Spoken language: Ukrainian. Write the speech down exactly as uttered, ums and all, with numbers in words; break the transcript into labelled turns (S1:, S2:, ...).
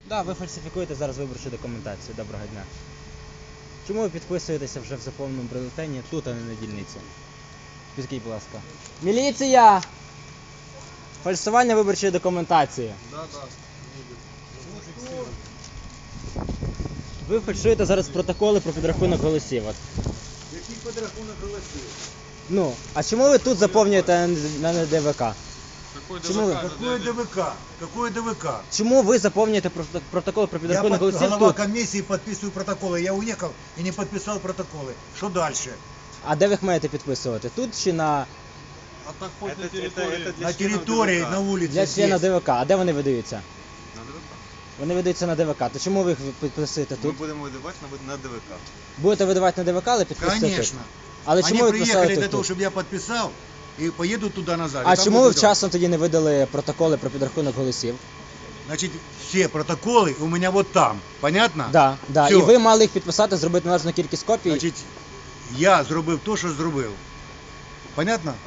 S1: Да, ви фальсифікуєте зараз виборчу документацію. Доброго дня. Чому ви підписуєтеся вже в заповненому бюлетені тут, а не на дільниці? Підкажіть, будь ласка. Міліція! Фальсування виборчої документації.
S2: Да, да.
S1: Ви фальшуєте зараз протоколи про підрахунок голосів. От.
S2: Який підрахунок голосів?
S1: Ну, а чому ви тут заповнюєте на Н Д В К?
S2: Какой
S1: Чему вы-
S2: ДВК?
S3: Какое ДВК? Какое ДВК?
S1: Чому ви заповнюєте прото- протокол про
S3: Я
S1: підрахунок
S3: под,
S1: голосів
S3: голова
S1: тут?
S3: комиссии подписываю протоколы. Я уехал и не подписал протоколы. Что дальше?
S1: А де ви їх маєте підписувати? Тут чи на
S2: А так хоть
S4: Это-
S2: на
S4: это-
S2: территории.
S4: это для
S3: На
S4: членов
S3: территории,
S4: ДВК.
S3: на улице.
S1: для члена
S3: здесь.
S1: Д В К? А де вони видаються?
S4: На ДВК.
S1: Вони видаються на Д В К. То чому ви їх підписуєте
S4: Ми
S1: тут?
S4: будемо видавати на, на ДВК.
S1: Будете видавати на Д В К, але підписуєте тут?
S3: Конечно.
S1: Але
S3: Они
S1: чому ви
S3: приехали
S1: підписали
S3: для
S1: тут?
S3: того, чтобы я подписал и поеду туда назад.
S1: А
S3: И там
S1: чому ви
S3: буду делать.
S1: вчасно тоді не видали протоколи про підрахунок голосів?
S3: Значит, все протоколы у меня вот там. Понятно?
S1: Да, да.
S3: Всё.
S1: І ви мали їх підписати, зробити належну кількість копій.
S3: Значить, я зробив то, що зробив. Понятно?